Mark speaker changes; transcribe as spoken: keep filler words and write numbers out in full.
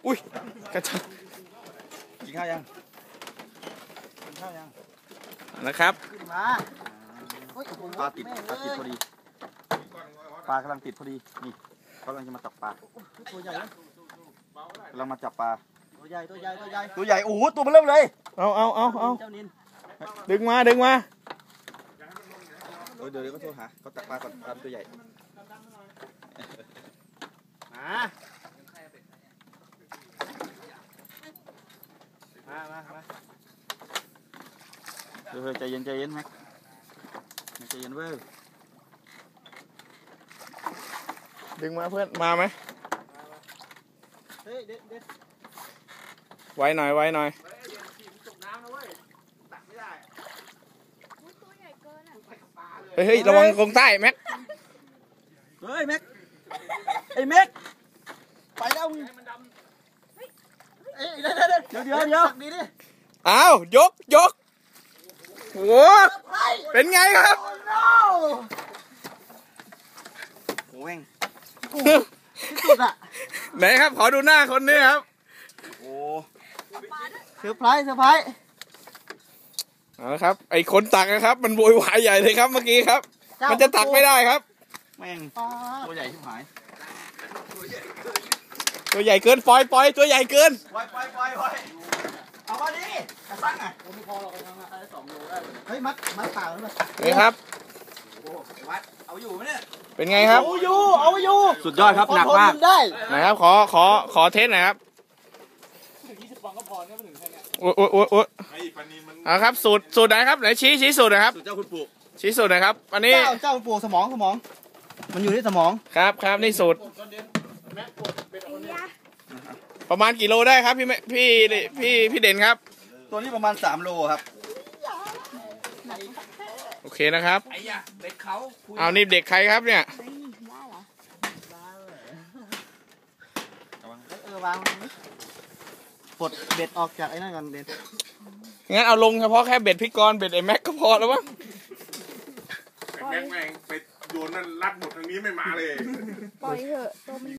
Speaker 1: อุ้ยกระชับ
Speaker 2: กินข้าวยังกินข้าวยัง
Speaker 1: นะครับ
Speaker 2: มาปลาติดปลาติดพอดีปลากำลังติดพอดีนี่เขากำลังจะมาจับปลาตัวใหญ่กำลังมาจับปลาตัวใหญ่ตัวใหญ่ตัวใหญ่ตัวใหญ่โอ้โหตัวมันเริ่มเลย
Speaker 1: เอาเอาเอาเอาดึงมาดึงมา
Speaker 2: เดี๋ยวเดี๋ยวก็โทรหาเขาจับปลาก่อนปลาตัวใหญ่มามามามาเดี๋ยวใจเย็นใจเย็นไหมใจเย็นเว้ย
Speaker 1: ดึงมาเพื่อนมาไหม
Speaker 2: เฮ้ยเด็ดเด็ด
Speaker 1: ไว้หน่อยไว้หน่อยเฮ้ยระวังกรงใต้แม็ก
Speaker 2: เฮ้ยแม็กไอ้แม็กไปแล้วมึงเอ้ยเดี๋ยวเดี๋ยวเดี๋ยวเดี๋ยวดีดิ
Speaker 1: อ้าวยกยกโอ้เป็นไงครับ
Speaker 2: โอ้ยที่สุดอะ
Speaker 1: ไหนครับขอดูหน้าคนนี้ครับ
Speaker 2: โอ้เซอร์ไพรส์เซอร์ไพรส์
Speaker 1: เอาละครับไอ้คนตักนะครับมันโวยวายใหญ่เลยครับเมื่อกี้ครับมันจะตักไม่ได้ครับ
Speaker 2: แม่งตัวใหญ่ชิบหาย
Speaker 1: ตัวใหญ่เกินปล่อยปล่อยตัวใหญ่เกิน
Speaker 2: ปล่อยปล่อยปล่อยปล่อยเอามาดิกระซังอ่ะผมไม่พอหรอกนะได้สองโลได้เฮ้ยมัดมัดเปล่าหรือเปล่า
Speaker 1: นี่ครับ
Speaker 2: โอ้วัดเอาอยู่ไหมเนี่ย
Speaker 1: เป็นไงครับ
Speaker 2: เอาอยู่เอาอยู่สุดยอดครับหนักมาก
Speaker 1: ได้ไหนครับขอขอขอเทสหน่อยครับ
Speaker 2: ยี่สิบฟองก็พอเนี่ยไม่ถึงแค่นี้
Speaker 1: โอ้โอ้โอ้โอ้เอาครับสูตรสูตรไหนครับไหนชี้ชี้สูตรนะครับ
Speaker 2: สูตรเจ้าคุณปู่
Speaker 1: ชี้สูตรหน่อยครับอันนี้
Speaker 2: เจ้าเจ้าคุณปู่สมองสมองมันอยู่ที่สมอง
Speaker 1: ครับครับนี่สูตรประมาณกี่โลได้ครับพี่พี่พี่พี่เด่นครับ
Speaker 2: ตัวนี้ประมาณสามโลครับ
Speaker 1: โอเคนะครับ
Speaker 2: ไอ้ยะเด็กเขา
Speaker 1: เอานี่เด็กใครครับเนี่ย
Speaker 2: เออวางปลดเบ็ดออกจากไอ้นั่นก่อนเด่น
Speaker 1: งั้นเอาลงเฉพาะแค่เบ็ดพี่กรณ์เบ็ดไอ้แม็กก็พอแล้วมั้ง
Speaker 3: แม็กแม่งไปโยนนั่นลัดหมดทางนี้ไม่มาเลย
Speaker 4: ปล่อยเถอะตัวมัน